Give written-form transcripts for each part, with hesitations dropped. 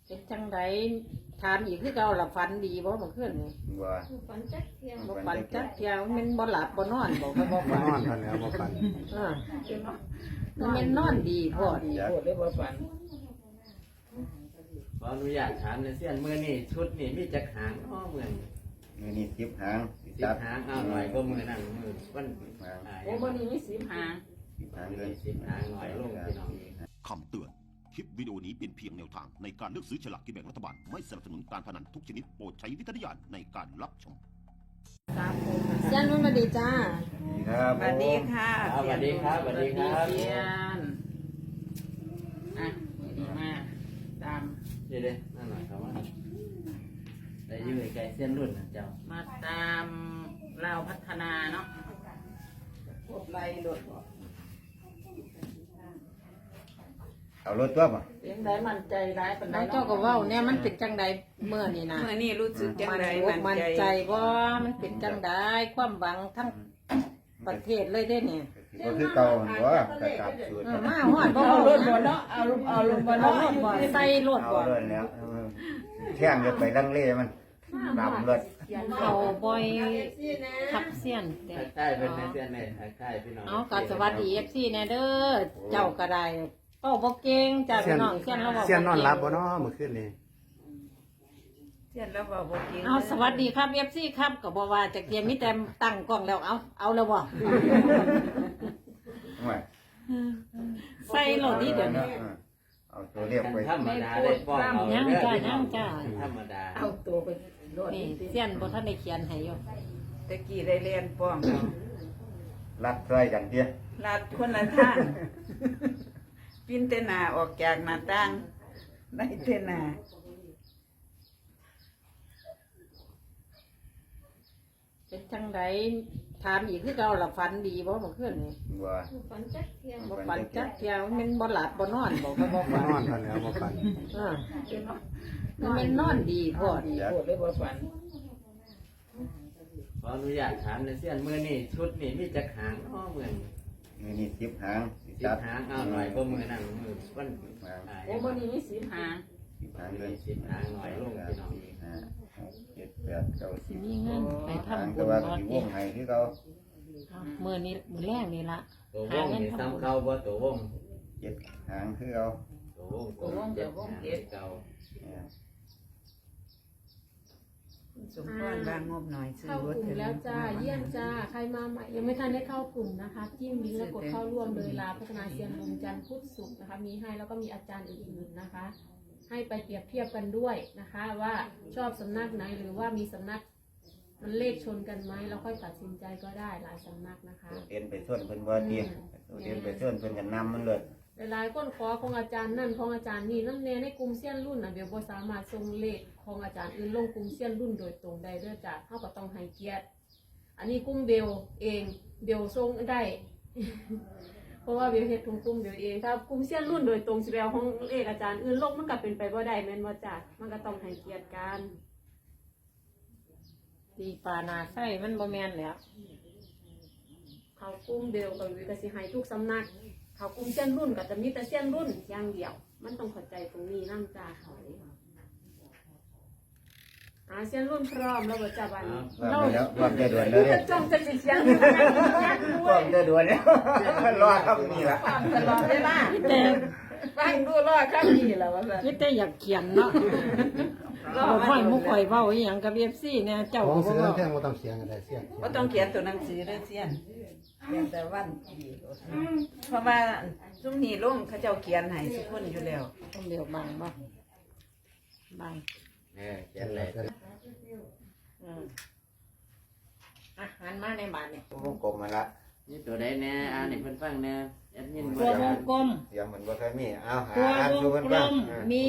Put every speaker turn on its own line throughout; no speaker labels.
เป็นจังไดถามอีกคือเก่าล่ะฝันดีบ่เมื่อคืนนี่
ว่า
ฝันจักเที่ยง
บ่ฝันจักเที่ยมันบ่หลับบ่นอนบ่ก็บ่
บ่
ฝัน
นอนทันแล้วบ่ฝัน
มันนอนดีพอดีโพดเลยบ่ฝัน
ขออนุญาตถามในเสี้ยนมือนี่ชุดนี่มีจักหางอ้อเมือน
นี่10 หาง
สิบหางเอาหน่อยก็มือนั่งมือวัน
โอ้บ่นี่มี10หาง
10 หางเล
เลย
ย
สิบหางหน่อยลงพี่น้อง
คำเตือน คลิปวิดีโอนี้เป็นเพียงแนวทางในการเลือกซื้อฉลากกินแบ่งรัฐบาล ไม่สนับสนุนการพนันทุกชนิดโปรดใช้วิจารณญาณในการรับชม
เสียนมันมาดีจ้า
ครับ
สวัสดีค่ะ
สวัสดีครับสวัสดีครับ
เสียนอ่ะดีมากตาม
เดี๋ยวนั่นหน่อยครับว่าได้ยืดไกลเส้นรุ่นนะเจ้า
มาตามเราพัฒนาเนาะพวกไรโดด
เอารถตัวบ่
เสียงใดมั่นใจร้ายปานใดเจ้าก็เว้าเนี่ยมันเป็นจังใดเมื่อนี่นะ
เมื่อนี้รู้สึกจังได
มั่นใจบ่มันเป็นจังใดความหวังทั้งประเทศเลยเด้เนี่ย
ก็คือเก่าหั่นบ่กระตับสูตร
มาฮอดบ่
เอา
เอา
ร
ร
ถ
ถ
บ่
บ่
เนาะ
เนาะ
เอารถบ่
เอา
เนาะ
รถบ่ใส่รถ
เอา
บ่
เลยแล้วแท่งจะไปลังเลมันดำรถ
เขาบ่อยขับเสียนแต่
ใกล้ๆเป็นในเส้นในใกล้ๆพี่น้อง
เอาก็สวัสดี FC แน่เด้อเจ้าก็ได้เป้าบ่เก่งจ้าพี่น้องเสียนเราบ่
เสียนนอนหลับบ่เนาะเมื่อคืนนี้
เสียนแล้วบ่เก่ง
เอาสวัสดีครับ FC ครับก็บ่ว่าจักเทียมมีแต่ตั้งกล้องแล้วเอาแล้วบ่
ไม่
ใส่รถนี่เดี๋ยวนี้
เอาตัวเรียกไป
ธรรมดาได้ป้องเอา
ยัง
เด้อ
จ้า
พี่น้อง
ยังจ้า
ธรรมดา
เอาตัวไปรถ
นี่เสียนบ่ทันได้เขียนให้อยู่
ตะกี้ได้เรียนป้องเอา
รัดใส่กันเตี้ย
ลาดคนละทางปินแต่หน้าออกจากหน้าต่างได้แต่หน้า
เป็นจังไดถามอีกคือเก่าล่ะฝันดีบ่เมื่อคืนนี่
ว่า
ฝันจักเที่ยง
บ่ฝันจักเที่ยมันบ่หลับบ่นอนบ่ก็บ่
บ่
ฝัน
นอนทันแล้วบ่ฝัน
มันนอนดีพอดีโพดเลยบ่ฝัน
ขออนุญาตถามในเสี้ยนมือนี่ชุดนี่มีจักหางอ้อเมือน
นี่10 หาง
สิบหางเอาหน่อยก็มือนั่งมือวัน
โอ้บ่นี่มี10หาง
10 หางเลย
สิบหางหน่อยลงพี่น้อง
5 6 7 8 9
สิมีเงินไป
10
ทำ
หาง
บุ
แต่
ญ
ว่า
บ่
สิว
ติ
งให้คือเก่า
มื้อนี้มื้อแรกนี่ล่ะ
ตัววงนี่ซ้ำเก่าบ่ตัววง
7 หางคือเก่า
ตัววงเจ็ดหางเก่า
สมพรบางงบหน่อยซื้อ
เข้าร
ถ
กลุ่มแล้วจ้าเยี่ยมจ้าใครมาใหม่ยังไม่ทันได้เข้ากลุ่มนะคะจิ้มลิงก์แล้วกดเข้าร่วมเลยลาพัฒนาเซียนบุญจันทร์พุธศุกร์นะคะมีให้แล้วก็มีอาจารย์อื่นๆนะคะ ให้ไปเปรียบเทียบกันด้วยนะคะ ว่าชอบสำนักไหนหรือว่ามีสำนักมันเลขชนกันไหมแล้วค่อยตัดสินใจก็ได้หลายสำนักนะคะ
เรียนไปส่วนเพิ่นบ่เตี้ยเรียนไปส่วนเพิ่นกันนำมันเลย
หลายๆคนขอของอาจารย์นั่นของอาจารย์นี่นั่นแน่ในกลุ่มเซียนรุ่นนะเดี๋ยวบ่สามารถส่งเลขของอาจารย์อื่นลงกลุ่มเซียนรุ่นโดยตรงได้เด้อจ้าเฮาก็ต้องให้เกียรติอันนี้กลุ่มเบลเองเบลส่งได้ เพราะว่าเบลเฮ็ดทุกกลุ่มเบลเองถ้ากลุ่มเซียนรุ่นโดยตรงสิไปเอาของเลขอาจารย์อื่นลงมันก็เป็นไปบ่ได้แม่นบ่จ้ามันก็ต้องให้เกียรติกัน
ตีปลานาไส้มันบ่แม่นแล้ว
เขากลุ่มเบลก็วิก็สิให้ทุกสำนัก เขากลุ่มเซียนรุ่นก็จะมีแต่เซียนรุ่นอย่างเดียว มันต้องเข้าใจตรงนี้นํจ้าเขาเซียนรุ่นพร้อมแล้วบ่จ้าบัดนี้
ว่าไปแล้วว่าจะด่วนแล้วเนี่ย
จ้องจะสิเสียง
ว่าจะด่วนแล้วรอครับนี่ล่ะ
ความตลอดเวลา
แต่
ฟังดูรอดข้างนี้แล้วว่าซั่น
คิดแต่อยากเขียนเนาะบ่ค่อยมุกข่อยเว้าอีหยังกับ FC เนี่ยเจ้า
ของ
ก็บ่
เสือ
เว้า
แท่งบ่ต้องเสียงก็ได้เสียง
บ่ต้องเขียนตัวหนังสือเด้อเสียนเขียนแต่วันที่เพราะว่าซุมนี้ลงเขาเจ้าเขียนให้ทุกคนอยู่แล้ว
ต้องเดี๋ยวบังบ่บัง
เขียนเลย
อืมหันมาในบ้านนี่
วงกลมมาละ
นี่ตัวใดแน่อ่านให้เพิ่นฟังแน่แอดมิน
ตัววงกลม
เสียงเหมือนบ่เคยมีเอาหา
ตัว
อ่าน
ว
ดู
ง
เพิ่น
กล
บ้าง
มมี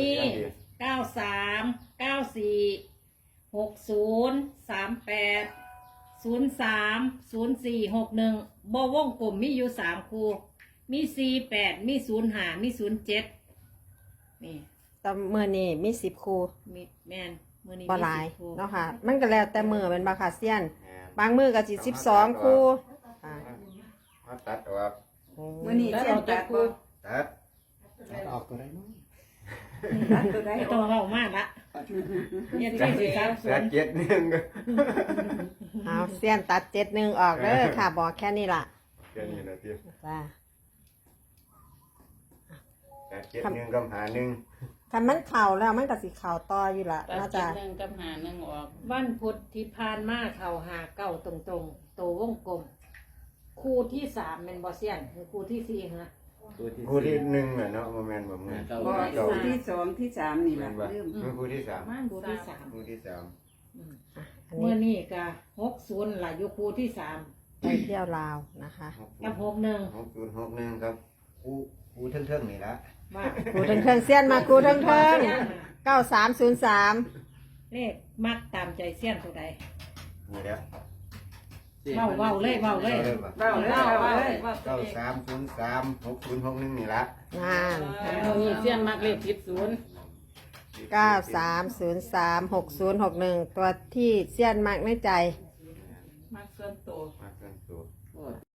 93 94 60 38 03 04 61บ่วงกลมมีอยู่3คู่มี48มี05มี07นี่
แต่มือนี่มี10 คู่
มีแม่นมื้อนี้
บ่
มี
หลาย
10คู่
เนาะค่ะ มันก็แล้วแต่มือเป็นบาคาเซียน บางมือก็สิ12 คู่อ่า
มาตัดออก
มื้อนี้เสียนตัดบ่
ตัด
ออกตัวได้เนาะ
ตัดตัวได้
ไม่
อ
ต้อ
อง ก
เล่ามากละเรียน
ตั
ที่
ด
สี่สามศูนย์
เจ็ดหนึ่งก็
เอาเสี้ยนตัด71ออกเด้อค่ะบอกแค่นี้ล่ะ
แค่นี้นะพี่
จ้า
ตัดเจ็ดหนึ่งกับหาหนึ่ง
คันมันเข่าแล้วมันก็สิเข่าต่ออยู่ล่ะ
ตัด
น่า
เจ็
จะ
ดหนึ่งกับหาหนึ่งออก
วันพุธที่ผ่านมาเขาหาเก้าตรงๆโตวงกลมคู่ที่สามเป็นบอเซียนคือคู่ที่สี่ฮะ
คู่ที่หนึ่งน่ะเนาะโมเมนต์แบบนี้
เก้า
บ่
เก้า
คู่ที่สองที่สามนี่
แม่
ล่ะ
นบ่
ลืม
คือคู่ที่สาม
คู่ที่สาม
คู่ที่สาม
อัน
เมื่
นี้
อนี้ก็60ล่ะอยู่คู่ที่สาม
ไปเที่ยวลาวนะคะ
กับ61
6061ครับคู่เทิงๆนี่ละ
ว่า
กูเทิงๆเสี้ยนมากูเทิงๆ9303
เลขมักตามใจเซียนตัวใด
นี่แหละ
เว้าเลย
เว้าเลยบ่
เว้าเลยเว้าเลย
93036061นี่ละ
งาน
นี่เสี้ยนมักเลขผิดศูนย์
93036061ตัวที่เสี้ยนมากในใจ
มักส่วนตัว
มากันตัว
โอ้